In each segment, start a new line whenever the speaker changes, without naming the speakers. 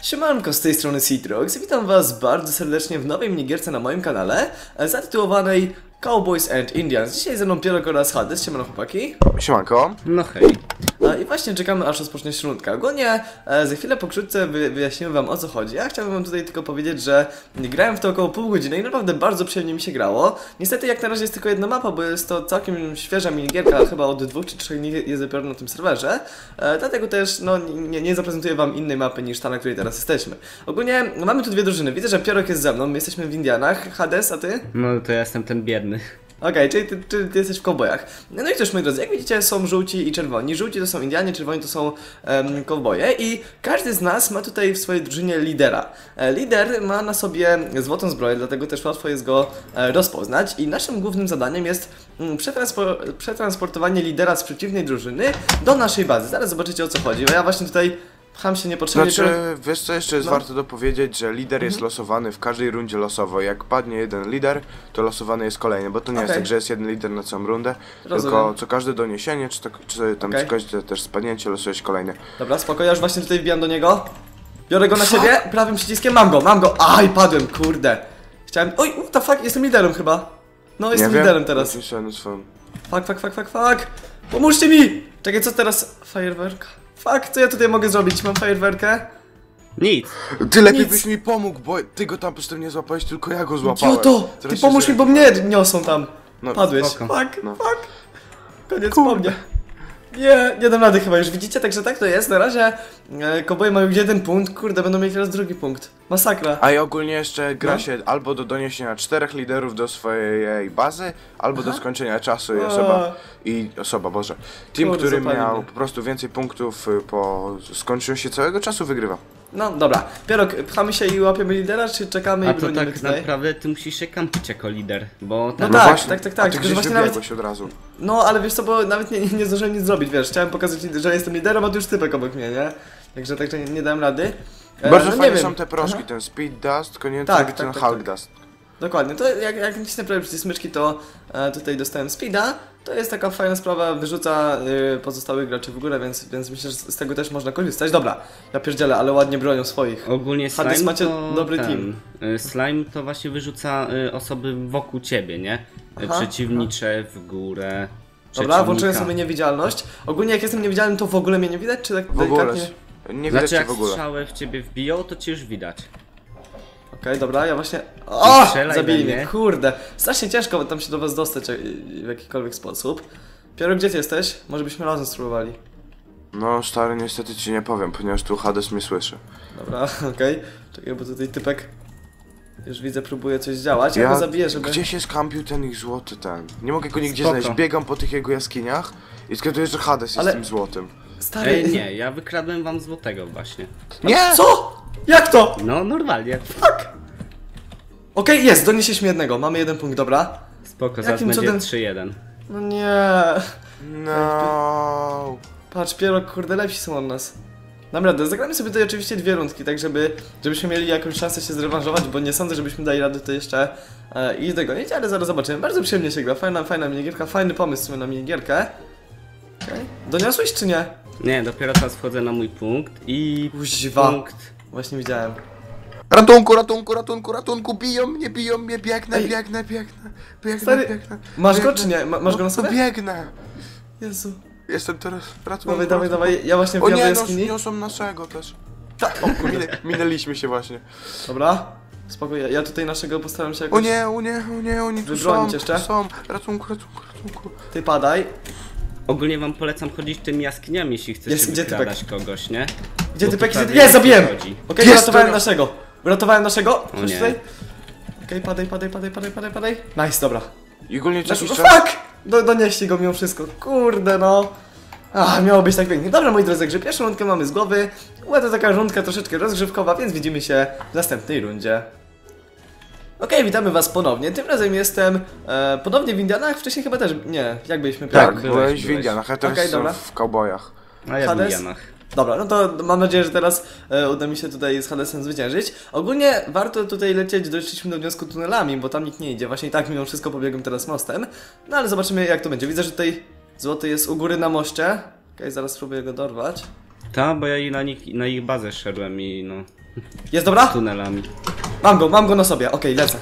Siemanko, z tej strony Citrox i witam was bardzo serdecznie w nowej minigierce na moim kanale zatytułowanej Cowboys and Indians. Dzisiaj ze mną Pierok oraz Hades. Siemano chłopaki.
Siemanko.
No hej.
I właśnie czekamy aż rozpocznie się rundka. Ogólnie za chwilę pokrótce wyjaśnimy wam o co chodzi. Ja chciałbym wam tutaj tylko powiedzieć, że grałem w to około pół godziny i naprawdę bardzo przyjemnie mi się grało. Niestety jak na razie jest tylko jedna mapa, bo jest to całkiem świeża minigierka, chyba od 2 czy 3 dni jest dopiero na tym serwerze. Dlatego też no, nie zaprezentuję wam innej mapy niż ta, na której teraz jesteśmy. Ogólnie mamy tu dwie drużyny. Widzę, że Pierok jest ze mną, my jesteśmy w Indianach. Hades, a ty?
No to ja jestem ten biedny.
Okej, czyli ty jesteś w cowboyach. No i też, moi drodzy, jak widzicie, są żółci i czerwoni. Żółci to są Indianie, czerwoni to są cowboye i każdy z nas ma tutaj w swojej drużynie lidera. Lider ma na sobie złotą zbroję, dlatego też łatwo jest go rozpoznać i naszym głównym zadaniem jest przetransportowanie lidera z przeciwnej drużyny do naszej bazy. Zaraz zobaczycie o co chodzi, bo ja właśnie tutaj pcham się niepotrzebnie.
Znaczy, wiesz co jeszcze jest warto dopowiedzieć, że lider jest losowany w każdej rundzie losowo. Jak padnie jeden lider, to losowany jest kolejny, bo to nie jest tak, że jest jeden lider na całą rundę, tylko co każde doniesienie, czy tam co każde też spadnięcie losujesz kolejny.
Dobra, spoko, ja już właśnie tutaj wbijam do niego. Biorę go na siebie, prawym przyciskiem, mam go! Aj, padłem, kurde. Chciałem, oj, what the fuck, jestem liderem chyba. No, jestem liderem teraz. Fuck. Pomóżcie mi! Czekaj, co teraz? Fajerwerka. Fuck, co ja tutaj mogę zrobić? Mam fajerwerkę?
Nic.
Ty lepiej byś mi pomógł, bo ty go tam po prostu nie złapałeś, tylko ja go złapałem.
Idioto! Ty pomóż mi, bo mnie niosą tam.
No,
padłeś.
spoko.
Fuck. Koniec po mnie. Nie dam rady chyba, już widzicie, także tak to jest. Na razie cowboye mają jeden punkt, kurde, będą mieć teraz drugi punkt. Masakra.
A i ogólnie jeszcze gra się albo do doniesienia 4 liderów do swojej bazy, albo do skończenia czasu i osoba, Boże. Team,
Kurde,
który
zapali
miał
mnie.
po prostu więcej punktów po skończeniu się całego czasu, wygrywa.
No dobra, Pierok, pchamy się i łapiemy lidera, czy czekamy
A
i
to
bronimy
tak
tutaj?
naprawdę ty musisz się kampić jako lider, bo
No
tam...
tak,
właśnie,
tak.
A ty
Tylko, że
gdzieś
właśnie
wybiegłeś od razu.
No, ale wiesz co, bo nawet nie zdążyłem nic zrobić, wiesz, chciałem pokazać, że jestem liderem, a tu już typek obok mnie, nie? Także nie dałem rady.
Bardzo
no
fajne
nie
są
wiem.
te proszki,
Aha.
ten Speed Dust, koniecznie
Tak,
ten
tak.
Hulk Dust.
Dokładnie, to jak nacisnę prawie przycisk smyczki, to tutaj dostałem speeda. To jest taka fajna sprawa, wyrzuca pozostałych graczy w górę, więc myślę, że z tego też można korzystać. Dobra, ja pierdzielę, ale ładnie bronią swoich.
Ogólnie
Hades,
slime
macie
to
dobry team.
Slime to właśnie wyrzuca osoby wokół ciebie, nie?
Aha,
Przeciwnicze w górę.
Dobra, włączyłem sobie niewidzialność. Ogólnie jak jestem niewidzialny, to w ogóle mnie nie widać, czy tak
W ogóle.
delikatnie?
Nie widać
Znaczy
cię
jak
w ogóle.
strzałę w ciebie wbiją, to cię już widać.
Okej, dobra, ja właśnie... O!
Strzelaj
Zabili
we
mnie,
mnie.
kurde. Strasznie ciężko tam się do was dostać w jakikolwiek sposób. Pierok, gdzie ty jesteś? Może byśmy razem spróbowali.
No stary, niestety ci nie powiem, ponieważ tu Hades mnie słyszy.
Dobra, okej. Czekaj, bo tutaj typek... Już widzę, próbuje coś działać. Ja go zabiję, żeby...
Gdzie się skampił ten ich złoty ten? Nie mogę go nigdzie
Spoko.
znaleźć. Biegam po tych jego jaskiniach i zgaduję, że Hades
Ale-
jest tym złotym.
Stary...
Ej, nie, ja wykradłem wam złotego właśnie.
Nie!
Co? Jak to?
No normalnie.
Okej, jest, donieśliśmy jednego. Mamy jeden punkt, dobra.
Spoko, zaraz
Jakim
będzie
cudem?
3-1.
No nie.
No.
Patrz, Pierok, kurde, lepsi są od nas. Dam radę, zagramy sobie tutaj oczywiście dwie rundki, tak żebyśmy mieli jakąś szansę się zrewanżować, bo nie sądzę, żebyśmy dali radę to jeszcze i dogonić, ale zaraz zobaczymy. Bardzo przyjemnie się gra, fajna minigierka, fajny pomysł w sumie na minigierkę. Okay. Doniosłeś czy nie?
Nie, dopiero teraz wchodzę na mój punkt i...
Kuźwa.
Punkt.
Właśnie widziałem.
Ratunku, biją mnie, biegnę.
Stary, masz go czy nie? Masz go na sobie?
Biegnę.
Jezu.
Jestem teraz, ratunku.
Dawaj, ja właśnie
O
wbijam do
nie,
jaskini.
niosą naszego też. O kurde, minęliśmy się właśnie.
Dobra, spokojnie, ja tutaj naszego postaram się jakoś...
O nie, oni tu
Wybronić
są,
jeszcze?
są. Ratunku.
Ty padaj.
Ogólnie wam polecam chodzić tymi jaskiniami, jeśli chcecie
Jest, gdzie
wykradać kogoś, nie?
Gdzie
Bo
ty
tu
peki?
prawie
Jest, zabiłem!
nie chodzi.
Okej,
Jest,
uratowałem
dobra.
naszego. Uratowałem naszego.
O
Chodź
nie.
tutaj. Okej, padaj. Nice, dobra.
I ogólnie co jakiś czas...
Fuck! Donieśli go mimo wszystko. Kurde no. Miało być tak pięknie. Dobra, moi drodzy, także pierwszą rundkę mamy z głowy. Była to taka rundka troszeczkę rozgrzewkowa, więc widzimy się w następnej rundzie. Okej, witamy was ponownie. Tym razem jestem ponownie w Indianach. Wcześniej chyba też... Nie, jak byliśmy?
Tak,
byłeś.
byłeś w Indianach, a teraz
Okej,
są
dobra.
w cowboyach.
A ja w
Hades?
Indianach.
Dobra, no to mam nadzieję, że teraz uda mi się tutaj z Hadesem zwyciężyć. Ogólnie warto tutaj lecieć, doszliśmy do wniosku tunelami, bo tam nikt nie idzie. Właśnie i tak mimo wszystko pobiegłem teraz mostem. No ale zobaczymy jak to będzie. Widzę, że tutaj złoty jest u góry na moście. Okej, zaraz spróbuję go dorwać.
Ta, bo ja na ich bazę szedłem i no...
Jest, dobra?
tunelami.
Mam go na sobie, okej, lecę.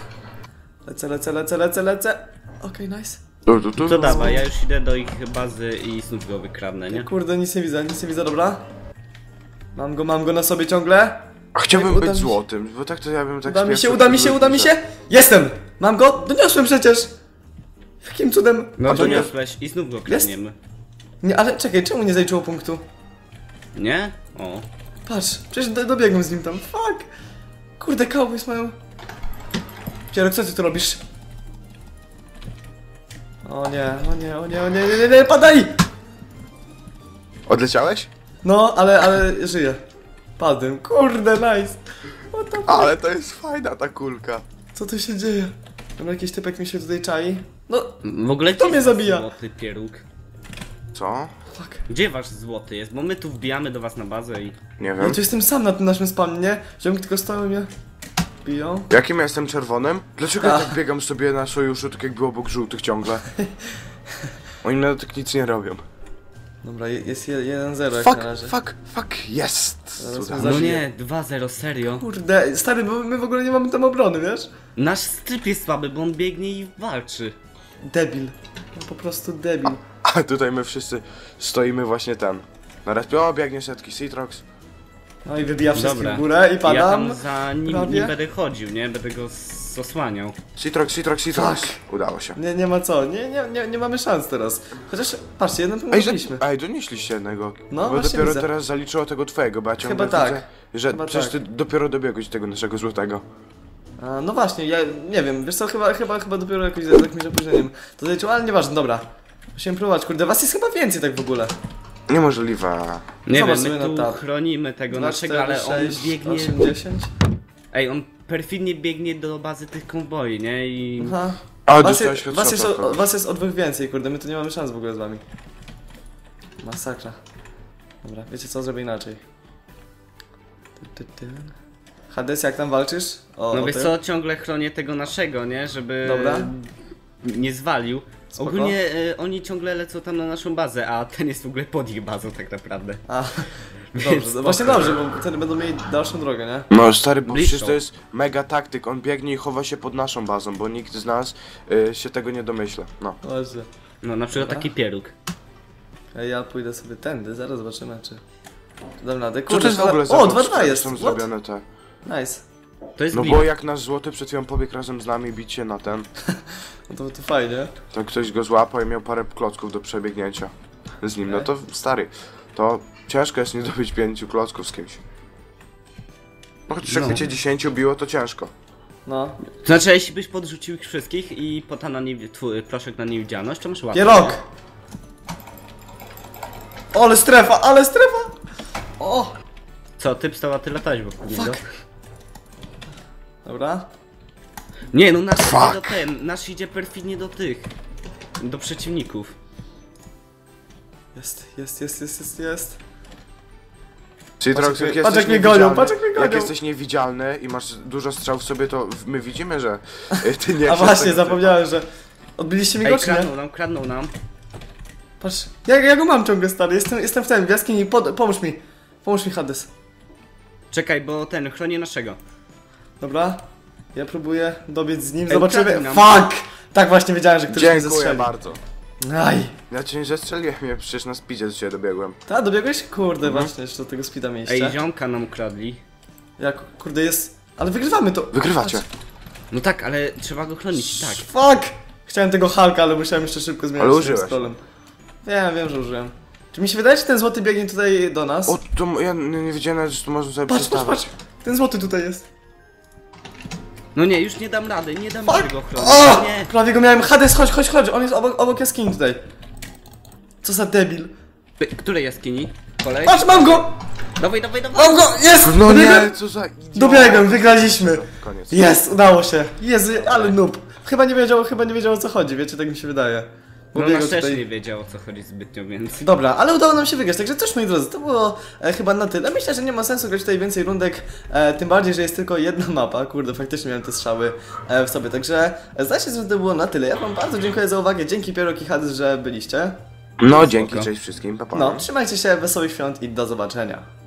Lecę. Okej, nice.
To dawaj, ja już idę do ich bazy i znów go wykradnę, nie?
Kurde, nic nie widzę, dobra. Mam go na sobie ciągle.
A chciałbym być złotym, bo tak to ja bym tak...
Uda mi się! Jestem! Mam go! Doniosłem przecież! Jakim cudem?
No
A to nie-
doniosłeś i znów go kradniemy.
Nie, ale czekaj, czemu nie zaliczyło punktu?
Nie? O.
Patrz, przecież dobiegłem z nim tam, fuck! Kurde, cowboys mają... Pierok, co ty tu robisz? O nie, padaj!
Odleciałeś?
No, ale żyję. Padłem, kurde, nice! What the fuck?
Ale to jest fajna ta kulka.
Co tu się dzieje? Dobra, jakiś typek mi się tutaj czai. No,
W ogóle
To
gdzie
mnie
jest
zabija.
złoty pieróg?
Co?
fuck.
Gdzie wasz złoty jest? Bo my tu wbijamy do was na bazę i...
Nie
Ja
wiem.
tu jestem sam na tym naszym spawnie, nie? Ziomki tylko stoją i mnie biją.
Jakim ja jestem czerwonym? Dlaczego ja
A.
tak biegam sobie na sojuszu, tak jakby obok żółtych ciągle? Oni nawet tak nic nie robią.
Dobra, jest 1-0 jak na razie.
Fuck, jest!
Zaraz
Cuda.
mnie
No
Zabiję.
nie, 2-0, serio?
Kurde, stary, bo my w ogóle nie mamy tam obrony, wiesz?
Nasz stryp jest słaby, bo on biegnie i walczy.
Debil. No po prostu debil.
A tutaj my wszyscy stoimy właśnie ten. Na respie, o biegnie setki Citrox.
No i wybija wszystkich
Dobra.
w górę i
Ja
padam.
tam za nim
prawie.
nie będę chodził, nie? Będę go osłaniał.
Citrox. Udało się.
Nie ma co, nie mamy szans teraz. Chociaż, patrzcie, jeden punkt mieliśmy.
Donieśliście jednego.
No,
bo
właśnie
dopiero
widzę.
teraz zaliczyło tego twojego, bo ja ciągle
Chyba tak.
widzę, że
Chyba
przecież
tak.
ty dopiero dobiegłeś do tego naszego złotego.
A, no właśnie, ja nie wiem, wiesz co, chyba dopiero jakoś z jakimś opóźnieniem to zaliczyło, ale nieważne, dobra. Musimy próbować, kurde, was jest chyba więcej tak w ogóle.
Niemożliwe.
Nie
Zobacz
wiem,
sobie
my
na
tu
tab.
chronimy tego
2,
naszego,
4,
ale on
6,
biegnie...
8, 10.
Ej, on perfidnie biegnie do bazy tych konwoi, nie? I...
Aha.
A,
Was
dostałeś
was jest o dwóch więcej, kurde, my tu nie mamy szans w ogóle z wami. Masakra. Dobra, wiecie co, zrobię inaczej. Hades, jak tam walczysz?
No
o
wiesz
tym?
co, ciągle chronię tego naszego, nie? Żeby...
Dobra.
Nie zwalił.
Spoko.
Ogólnie oni ciągle lecą tam na naszą bazę, a ten jest w ogóle pod ich bazą tak naprawdę.
A, dobrze, właśnie dobrze, bo wtedy będą mieli dalszą drogę, nie?
No stary, bo
Bliższą.
przecież to jest mega taktyk, on biegnie i chowa się pod naszą bazą, bo nikt z nas się tego nie domyśla. No.
Właśnie.
No na przykład
Dobra.
taki pieróg.
A ja pójdę sobie tędy, zaraz zobaczymy czy... Dam radę.
Co
Kurde,
to jest w ogóle za
O,
box?
2-2 jest!
Są
What?
zrobione te.
Nice.
To jest
No
glitch.
bo jak nasz złoty przed chwilą pobiegł razem z nami bić się na ten,
No to fajnie.
to ktoś go złapał i miał parę klocków do przebiegnięcia z nim. No
Okej.
to stary, to ciężko jest nie zdobyć 5 klocków z kimś. No chociaż jak
No.
cię 10 biło, to ciężko.
No.
To znaczy, jeśli byś podrzucił ich wszystkich i pota na proszek na niewidzialność, to masz łatwiej.
Pierog! Ale strefa, ale strefa! O!
Co, typ stał, a ty latałeś wokół niego?
Fuck. Dobra.
Nie, no nasz
Fuck.
idzie do nasz idzie perfidnie do tych. Do przeciwników.
Jest.
Citrox,
Patrz,
jak
jak
jesteś
mnie gonią,
niewidzialny,
patrz, jak mnie gonią.
jak jesteś niewidzialny i masz dużo strzał w sobie, to my widzimy, że ty nie
A
jesteś
właśnie,
tego
zapomniałem, że... Odbiliście mi
Ej,
go, czy nie?
kradną nam.
Patrz, ja go mam ciągle, stary, jestem w tym, w jaskini, pomóż mi, Hades.
Czekaj, bo chronię naszego.
Dobra, ja próbuję dobiec z nim,
Ej,
zobaczymy.
ukradli nam.
Fuck! Tak właśnie wiedziałem, że
typ.
ktoś mnie
Dziękuję
zestrzeli.
bardzo.
Aj!
Ja cię nie zestrzeliłem, ja przecież na speedzie do ciebie dobiegłem.
Ta, dobiegłeś? Kurde, właśnie, jeszcze do tego speeda mieliście.
Ej, ziomka nam ukradli.
Jak, kurde, jest... Ale wygrywamy to.
Wygrywacie.
Patrz.
No tak, ale trzeba go chronić, tak.
Fuck! Chciałem tego Hulka, ale musiałem jeszcze szybko zmienić.
Ale
tym
użyłeś.
scrollem. Wiem, że użyłem. Czy mi się wydaje, że ten złoty biegnie tutaj do nas?
O, to ja nie wiedziałem nawet, że tu można sobie
Patrz!
przestawać.
Ten złoty tutaj jest.
No nie, już nie dam rady, nie dam
Fuck!
rady go chronić.
O!
Nie.
Prawie go miałem. Hades, chodź. On jest obok jaskini tutaj. Co za debil.
Której jaskini? Kolej?
Patrz, mam go!
Dawaj.
Mam go! Jest!
No
Dobiegłem!
nie, co za idiot.
Dobiegłem, wygraliśmy.
Koniec.
Jest, udało się. Jezu, ale noob. Chyba nie wiedział o co chodzi, wiecie, tak mi się wydaje. Bo
No
biegał
nasz też
tutaj.
nie wiedział o co chodzi zbytnio, więc...
Dobra, ale udało nam się wygrać, także cóż moi drodzy, to było chyba na tyle. Myślę, że nie ma sensu grać tutaj więcej rundek, tym bardziej, że jest tylko jedna mapa. Kurde, faktycznie miałem te strzały w sobie, także zdaje się, że to było na tyle. Ja wam bardzo dziękuję za uwagę, dzięki Pierok i Hades, że byliście.
No, dzięki, cześć wszystkim, pa pa.
No, trzymajcie się, wesołych świąt i do zobaczenia.